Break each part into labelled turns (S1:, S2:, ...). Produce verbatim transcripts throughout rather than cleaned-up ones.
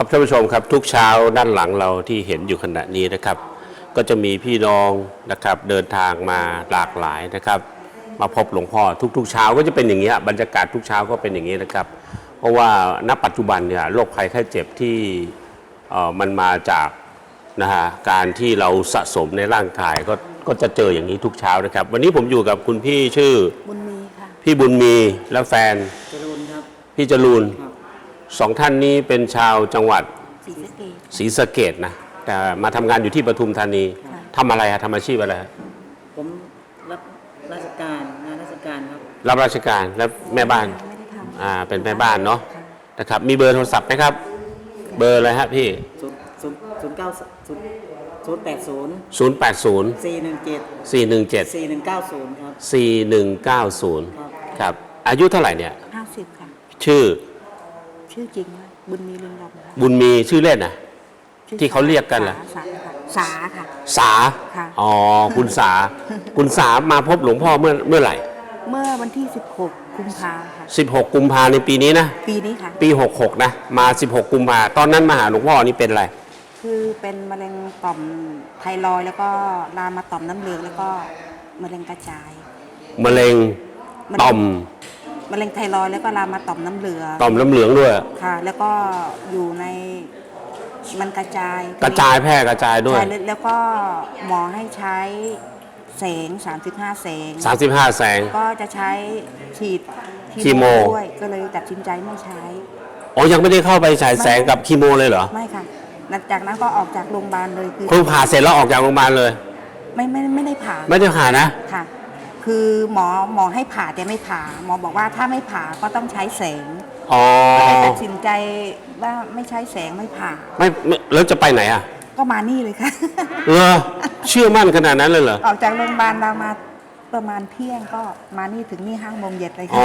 S1: ครับท่านผู้ชมครับทุกเช้าด้านหลังเราที่เห็นอยู่ขณะนี้นะครับก็จะมีพี่น้องนะครับเดินทางมาหลากหลายนะครับมาพบหลวงพ่อทุกๆเช้าก็จะเป็นอย่างนี้บรรยากาศทุกเช้าก็เป็นอย่างนี้นะครับเพราะว่าณปัจจุบันเนี่ยโรคภัยไข้เจ็บที่มันมาจากนะฮะการที่เราสะสมในร่างกายก็ก็จะเจออย่างนี้ทุกเช้านะครับวันนี้ผมอยู่กับคุณพี่ชื่อ
S2: บุญมีค่ะ
S1: พี่บุญมีและแฟน
S3: จรูนครับ
S1: พี่จรูนสองท่านนี้เป็นชาวจังหวัด
S2: ศรีสะเกษ
S1: ศรีสะเกษนะแต่มาทำงานอยู่ที่ปทุมธานีทำอะไรฮะทำอาชีพอะไร
S3: ผมรับราชการงานราชการครับ
S1: รับราชการแล้วแม่บ้าน
S2: ไม่ได้ทำ
S1: อ่าเป็นแม่บ้านเนาะนะครับมีเบอร์โทรศัพท์ไหมครับเบอร์อะไรฮะพี่
S3: ศูนย์ศูนย์ศูนย์เก้าศูนย์ศูนย์แปดศูนย์
S1: ศูนย์แปดศูนย์
S3: สี่หนึ่งเจ็ด
S1: สี่หนึ่งเจ็ด
S3: สี่หนึ่งเก้าศูนย์ครับ
S1: สี่หนึ่งเก้าศูนย์ครับอายุเท่าไหร่เนี่ย
S2: ห้าสิบค่ะ
S1: ชื่อ
S2: ชื่อจริงนะบุญมีเรืองรอง
S1: บุญมีชื่อเล่นนะที่เขาเรียกกันล่ะ
S2: สาค่ะ
S1: สาอ๋อคุณสาคุณสามาพบหลวงพ่อเมื่อเมื่อไหร่
S2: เมื่อวันที่สิบหกกุมภาค่ะ
S1: สิบหกกุมภาในปีนี้นะ
S2: ปีนี้ค่ะ
S1: ปีหกหกนะมาสิบหกกุมภาตอนนั้นมาหาหลวงพ่อนี่เป็นอะไร
S2: คือเป็นมะเร็งต่อมไทรอยด์แล้วก็ลามมาต่อมน้ำเหลืองแล้วก็มะเร็งกระจาย
S1: มะเร็งต่อม
S2: มะเร็งไทรอยด์แล้วก็ลามมาต่อมน้ำเหลือง
S1: ต่อมน้ำเหลืองด้วย
S2: ค่ะแล้วก็อยู่ในมันกระจาย
S1: กระจายแพร่กระจายด้วย
S2: ใช่แล้วก็หมอให้ใช้แสงสามสิบห้าแสง
S1: สามสิบห้าแสง
S2: ก็จะใช้ฉีด
S1: คีโม
S2: ด้วยก็เลยตัดสินใจไม่ใช้
S1: อ๋อยังไม่ได้เข้าไปฉายแสงกับคีโมเลยเหรอ
S2: ไม่ค่ะหลังจากนั้นก็ออกจากโรงพยาบาลเลย
S1: คือคุณผ่าเสร็จแล้วออกจากโรงพยาบาลเลย
S2: ไม่ไม่ไม่ได้ผ่า
S1: ไม่ได้ผ่านะ
S2: ค่ะคือหมอหมอให้ผ่าแต่ไม่ผ่าหมอบอกว่าถ้าไม่ผ่าก็ต้องใช้แสง
S1: อ๋อ
S2: ก็เลยตัดสินใจว่าไม่ใช้แสงไม่ผ่า
S1: ไม่แล้วจะไปไหนอ่ะ
S2: ก็มานี่เลยค่ะ
S1: เออเชื่อมั่นขนาดนั้นเลยเหรอ
S2: ออกจากโรงพยาบาลเรามาประมาณเที่ยงก็มานี่ถึงนี่ห้าโมงเย็นเลยค่ะ
S1: อ๋อ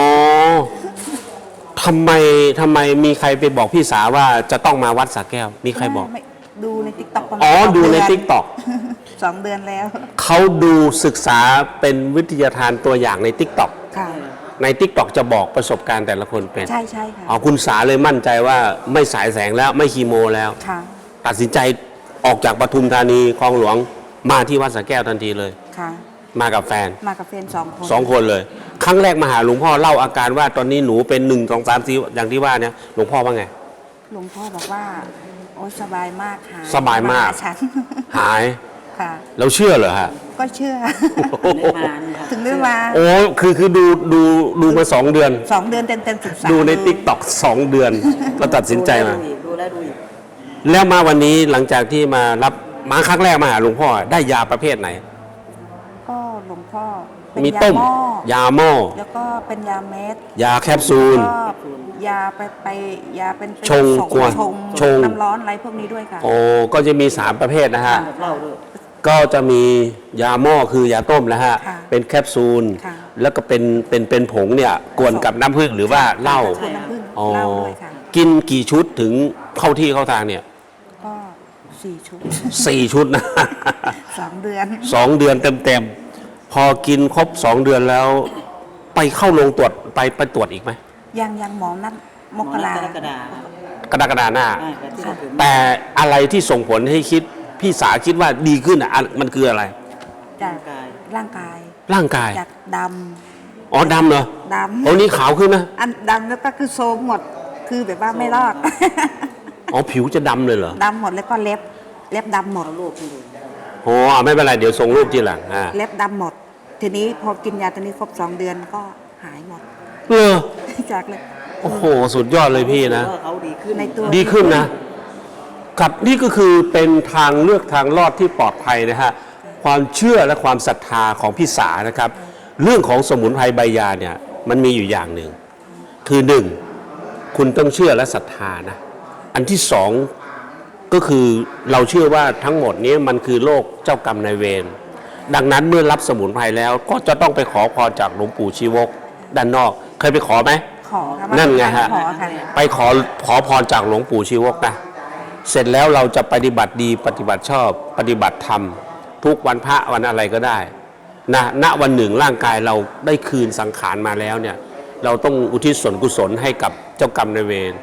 S1: ทำไมทำไมมีใครไปบอกพี่สาวว่าจะต้องมาวัดสระแก้วมีใครบอก
S2: ดูในติ๊กต็อก
S1: อ๋อดูในติ๊กต็อก
S2: สองเดือนแล้ว
S1: เขาดูศึกษาเป็นวิทยาทานตัวอย่างในติ๊กต็อก
S2: ค่ะ
S1: ในติ๊กต็อกจะบอกประสบการณ์แต่ละคนเป็น
S2: ใช่ใช่ค่ะ
S1: อ๋อคุณสาเลยมั่นใจว่าไม่สายแสงแล้วไม่คีโมแล้ว
S2: ค่ะ
S1: ตัดสินใจออกจากปทุมธานีคลองหลวงมาที่วัดสระแก้วทันทีเลย
S2: ค่ะ
S1: มากับแฟน
S2: มากับแฟนสองคน
S1: สองคนเลยครั้งแรกมาหาหลวงพ่อเล่าอาการว่าตอนนี้หนูเป็นหนึ่งสองสามสี่อย่างที่ว่าเนี่ยหลวงพ่อว่าไง
S2: หลวงพ่อบอกว่าโอ้สบายมากหาย
S1: สบายมากหาย
S2: ค่ะ
S1: เราเชื่อเหรอฮะ
S2: ก็เชื่อถึงได้มา
S1: โอ้คือคือดูดูดูมาสองเดือน
S2: สองเดือนเต็มเต็มศึกษา
S1: ดูในติ๊กต็อกสองเดือนเราตัดสินใจมา
S3: ดูแล้วดูอีก
S1: แล้วมาวันนี้หลังจากที่มารับมาครั้งแรกมาหาหลวงพ่อได้ยาประเภทไหน
S2: ก็หลวงพ่อ
S1: มีต้มยาหม้อ
S2: แล้วก็เป็นยาเม็ด
S1: ยาแคปซูล
S2: ยาไปไปยาเป็น
S1: ชงกวน
S2: ชงน้ำร้อนอะไรพวกนี้ด้วยค่ะ
S1: โอ้ก็จะมีสามประเภทนะฮะก็จะมียาหม้อคือยาต้มนะฮะเป็นแคปซูลแล้วก็เป็นเป็นเป็นผงเนี่ยกวนกับน้ำผึ้งหรือว่าเหล้า
S2: อ๋อ
S1: กินกี่ชุดถึงเข้าที่เข้าทางเนี่ย
S2: ก็สี่ชุด
S1: สี่ชุดนะ
S2: สองเดือน
S1: สองเดือนเต็มเต็มพอกินครบสองเดือนแล้วไปเข้าโรงตรวจไปไปตรวจอีกไหม
S2: ยังยังหมอนัดมกราก
S3: รกฎ
S1: ากรกฎาหน้าแต่อะไรที่ส่งผลให้คิดพี่สาคิดว่าดีขึ้นอ่ะมันคืออะไร
S2: จากร่างกาย
S1: ร่างกาย
S2: จากด
S1: ำอ๋อดำเหรอ
S2: ดำ
S1: โอ้นี่ขาวขึ้นนะ
S2: อันดำแล้วก็คือโซมหมดคือแบบว่าไม่รอด
S1: อ๋อผิวจะดำเลยเหรอ
S2: ดำหมดแล้วก็เล็บเล็บดำหมด
S3: รูปที่ดู
S1: โอ้ไม่เป็นไรเดี๋ยวส่งรูปทีหลังอ่า
S2: เล็บดำหมดทีนี้พอกินยาตัวนี้ครบสองเดือนก็หายหมด
S1: เออ
S2: จากเลย
S1: โอ้โหสุดยอดเลยพี่นะ
S3: เขาดีขึ้น
S2: ในตัว
S1: ดีขึ้นนะกับนี่ก็คือเป็นทางเลือกทางรอดที่ปลอดภัยนะฮะความเชื่อและความศรัทธาของพี่สานะครับเรื่องของสมุนไพรใบยาเนี่ยมันมีอยู่อย่างหนึ่งคือหนึ่งคุณต้องเชื่อและศรัทธานะอันที่สองก็คือเราเชื่อว่าทั้งหมดนี้มันคือโรคเจ้ากรรมนายเวรดังนั้นเมื่อรับสมุนไพรแล้วก็จะต้องไปขอพรจากหลวงปู่ชีวกด้านนอกเคยไปขอไหม
S2: ขอครับ
S1: นั่นไงฮะไปขอขอพรจากหลวงปู่ชีวกนะเสร็จแล้วเราจะปฏิบัติดีปฏิบัติชอบปฏิบัติธรรมทุกวันพระวันอะไรก็ได้นะณวันหนึ่งร่างกายเราได้คืนสังขารมาแล้วเนี่ยเราต้องอุทิศส่วนกุศลให้กับเจ้ากรรมนายเวร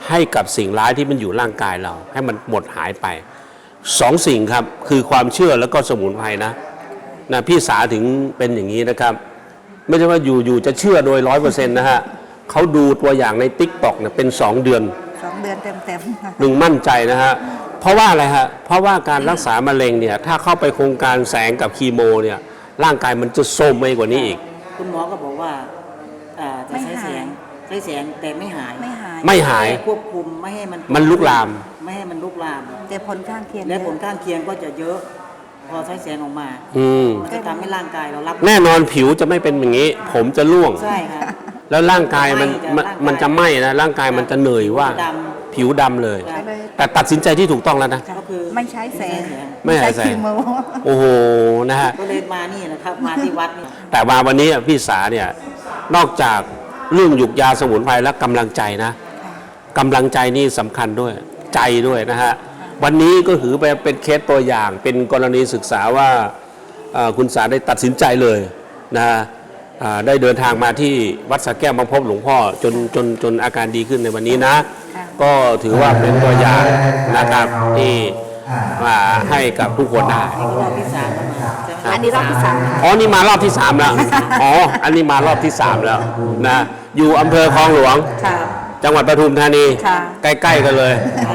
S1: ให้กับสิ่งร้ายที่มันอยู่ร่างกายเรา ให้มันหมดหายไปสองสิ่งครับคือความเชื่อแล้วก็สมุนไพรนะนะพี่สาถึงเป็นอย่างนี้นะครับ ไม่ใช่ว่าอยู่อยู่จะเชื่อโดยร้อยเปอร์เซ็นต์นะฮะเขาดูตัวอย่างในติ๊กต็อกเนี่ยเป็นสองเดือน
S2: สองเดือนเต็มๆค่ะ
S1: หนึ่งมั่นใจนะฮะเพราะว่าอะไรฮะเพราะว่าการรักษามะเร็งเนี่ยถ้าเข้าไปโครงการแสงกับคีโมเนี่ยร่างกายมันจะโทรมไปกว่านี้อีก
S3: คุณหมอก็บอกว่าอ่าจะใช้แสงใช้แสงแต่ไม่หาย
S2: ไม่หาย
S1: ไม่หาย
S3: ควบคุมไม่ให้มัน
S1: มันลุกลาม
S3: ไม่ให้มันลุกลาม
S2: แต่ผลข้างเคียง
S3: และ
S2: เย
S3: ผล
S2: อะ
S3: ข้างเคียงก็จะเยอะ พอใช้แสงออกมา
S1: อืม
S3: มันจะทำให้ร่างกายเรารับ
S1: แน่นอนผิวจะไม่เป็นอย่างนี้ ผมจะร่วง
S3: ใช่ครับ
S1: แล้วร่างกายมันมันมันจะไหม้นะร่างกายมันจะเหนื่อยว่า
S3: ด
S1: ผิวดำเลย
S3: ครับ
S1: แต่ตัดสินใจที่ถูกต้องแล้วนะ
S3: ก็คือ
S2: ไม่ใช้แสง
S1: ไม่ใช้แสง
S2: คีโม
S1: โอ้โหนะฮะ
S3: ก็เลยมานี่นะครับ มาที่วัดนี่
S1: แต่มาวันนี้พี่สาเนี่ยนอกจากเรื่องหยุกยาสมุนไพรและกำลังใจนะกำลังใจนี่สำคัญด้วยใจด้วยนะฮะวันนี้ก็ถือไปเป็นเคสตัวอย่างเป็นกรณีศึกษาว่าเอ่อคุณสาได้ตัดสินใจเลยนะอ่าได้เดินทางมาที่วัดสระแก้วมาพบหลวงพ่อจนจนจนอาการดีขึ้นในวันนี้นะ ก็ถือว่าเป็นตัวอย่างนะครับที่มาให้กับทุกคนได้
S3: รอบที่สามแล้วมาใช่ไหม
S2: อันนี้รอบที่สาม
S1: อ๋อ นี่มารอบที่สามแล้ว อ๋อ อันนี้มารอบที่สามแล้วนะ อยู่อำเภอคลองหลวง
S2: ค่ะ
S1: จังหวัดปทุมธานี
S2: ค่ะ
S1: ใกล้ ๆ กันเลย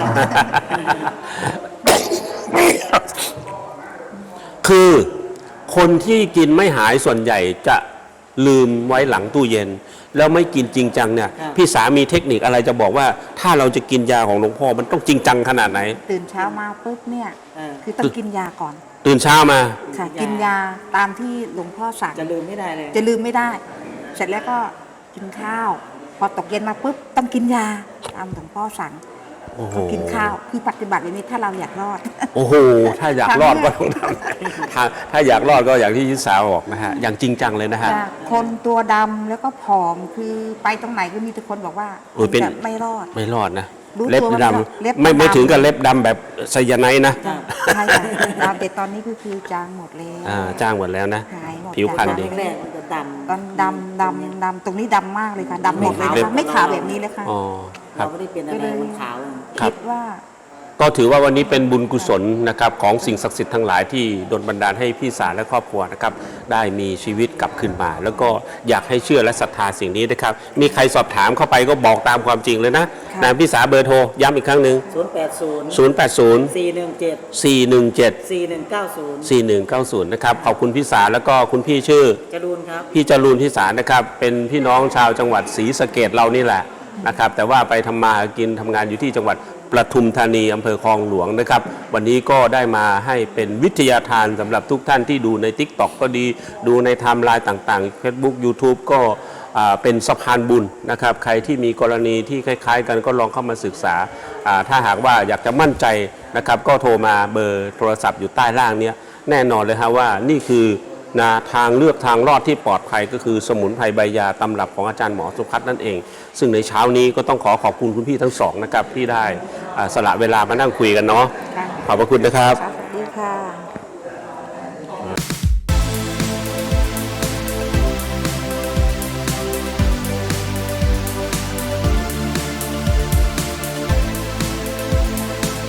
S1: คือคนที่กินไม่หายส่วนใหญ่จะลืมไว้หลังตู้เย็น แล้วไม่กินจริงจังเนี่ย พี่สามีเทคนิคอะไรจะบอกว่า ถ้าเราจะกินยาของหลวงพ่อมันต้องจริงจังขนาดไหน
S2: ตื่นเช้ามาปุ๊บเนี่ย
S3: เออ
S2: คือต้องกินยาก่อน
S1: ตื่นเช้ามา
S2: ค่ะ กินยาตามที่หลวงพ่อสั่ง
S3: จะลืมไม่ได้เลย
S2: จะลืมไม่ได้ เสร็จแล้วก็กินข้าว พอตกเย็นมาปุ๊บต้องกินยาตามหลวงพ่อสั่ง
S1: โอ้โห
S2: ก็กินข้าวคือปฏิบัติแบบนี้ถ้าเราอยากรอด
S1: โอ้โห ถ้าอยากรอดก็ต้องทำถ้าถ้าอยากรอดก็อย่างที่ยิสาบอกนะฮะ อย่างจริงจังเลยนะฮะ
S2: จากคนตัวดำแล้วก็ผอมคือไปตรงไหนก็มีแต่คนบอกว่า
S1: โอ้ยเป็น
S2: จะไม่รอด
S1: ไม่รอดนะ
S2: รู้
S1: เล็บ
S2: ตัวว่า
S1: ด
S2: เล็บ
S1: ำไม่ไม่
S2: ดำ
S1: ถึงกับเล็บดำแบบไซยาไนด์นะ
S2: ใช่ค่ะดำแต่ตอนนี้ก็คือจางหมดแล้ว
S1: อ่าจ้างหมดแล้วนะ
S2: หายหมด
S1: ผิวพรรณ
S2: จาก
S1: ดี
S3: แรกๆมันจะดำ
S2: ตอนดำดำดำตรงนี้ดำมากเลยค่ะดำหมดเลย
S3: ไม่
S2: นะ
S3: ขาว
S2: คะไม่ขาวแบบนี้เลยค่ะ
S1: อ๋อครั
S3: เรา
S1: บ
S3: ไม่ได้เป็นอะไรมันขาวเลย
S1: ครับ
S2: คิดว่า
S1: ก็ถือว่าวันนี้เป็นบุญกุศลนะครับของสิ่งศักดิ์สิทธิ์ทั้งหลายที่ดลบันดาลให้พี่สารและครอบครัวนะครับได้มีชีวิตกลับคืนมา แล้วก็อยากให้เชื่อและศรัทธาสิ่งนี้นะครับมีใครสอบถามเข้าไปก็บอกตามความจริงเลยนะ
S2: ค่ะ
S1: นะพี่สาเบอร์โทรย้ำอีกครั้งหนึ่ง
S3: ศูนย์แปดศูนย์
S1: ศูนย์ แปด ศูนย์
S3: สี่หนึ่งเจ็ด
S1: สี่ หนึ่ง เจ็ด
S3: สี่หนึ่งเก้าศูนย์
S1: สี่ หนึ่ง เก้า ศูนย์ นะครับขอบคุณพี่สาแล้วก็คุณพี่ชื่อ
S3: จรูนครับ
S1: พี่จรูนที่สารนะครับเป็นพี่น้องชาวจังหวัดศรีสะเกษเรานี่แหละนะครับแต่ว่าไปทำมาหากินทำงานอยู่ที่จังหวัดปทุมธานีอำเภอคลองหลวงนะครับวันนี้ก็ได้มาให้เป็นวิทยาทานสำหรับทุกท่านที่ดูใน ติ๊กต็อก ก็ดีดูในไทม์ไลน์ต่างๆ เฟซบุ๊ก ยูทูบ ก็อ่าเป็นสะพานบุญนะครับใครที่มีกรณีที่คล้ายๆ กันก็ลองเข้ามาศึกษาอ่าถ้าหากว่าอยากจะมั่นใจนะครับก็โทรมาเบอร์โทรศัพท์อยู่ใต้ล่างเนี้ยแน่นอนเลยฮะว่านี่คือนะทางเลือกทางรอดที่ปลอดภัยก็คือสมุนไพรใบยาตำรับของอาจารย์หมอสุพัฒน์นั่นเอง ซึ่งในเช้านี้ก็ต้องขอขอบคุณคุณพี่ทั้งสองนะครับที่ได้อ่าสละเวลามานั่งคุยกันเนาะ
S2: ค่ะ
S1: ขอบพระคุณนะครับ
S2: สวัสดีค่ะ